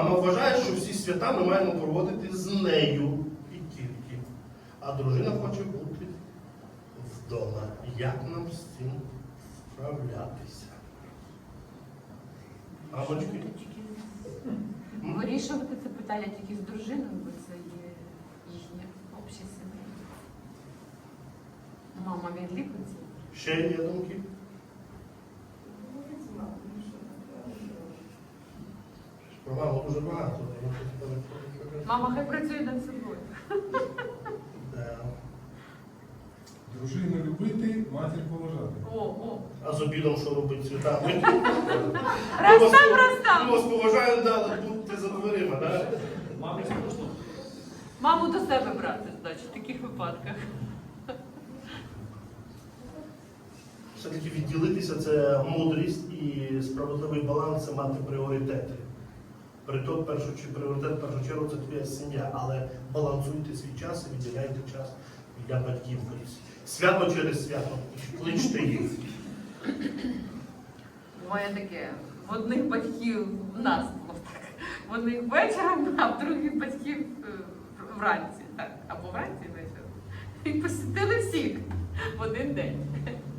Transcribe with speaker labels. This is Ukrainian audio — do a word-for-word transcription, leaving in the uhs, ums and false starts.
Speaker 1: Мама вважає, що всі свята ми маємо проводити з нею і тільки. А дружина хоче бути вдома. Як нам з цим справлятися? Мамочки?
Speaker 2: Вирішувати це питання тільки з дружиною, бо це є їхнє общі сім'ї. Мама відліпиться.
Speaker 1: Ще є думки? Про маму дуже багато.
Speaker 2: Мама хай працює над собою.
Speaker 1: Да.
Speaker 3: Дружину любити, матір поважати.
Speaker 2: О, о.
Speaker 1: А з обідом що робить святами?
Speaker 2: Раз там, раз там.
Speaker 1: Ми вас поважаємо, да, але будьте за дверима, так?
Speaker 2: Маму до себе брати, значить, в таких випадках.
Speaker 1: Все-таки відділитися це мудрість і справедливий баланс це мати пріоритети. Притом, першу, чи пріоритет, в першу чергу, це твоя сім'я, але балансуйте свій час і відділяйте час для батьків. Свято через свято. Кличте їх.
Speaker 2: Моє таке, в одних батьків, в нас було так, в одних вечором, а в других батьків е, вранці, так, або вранці вечором. І посітили всіх в один день.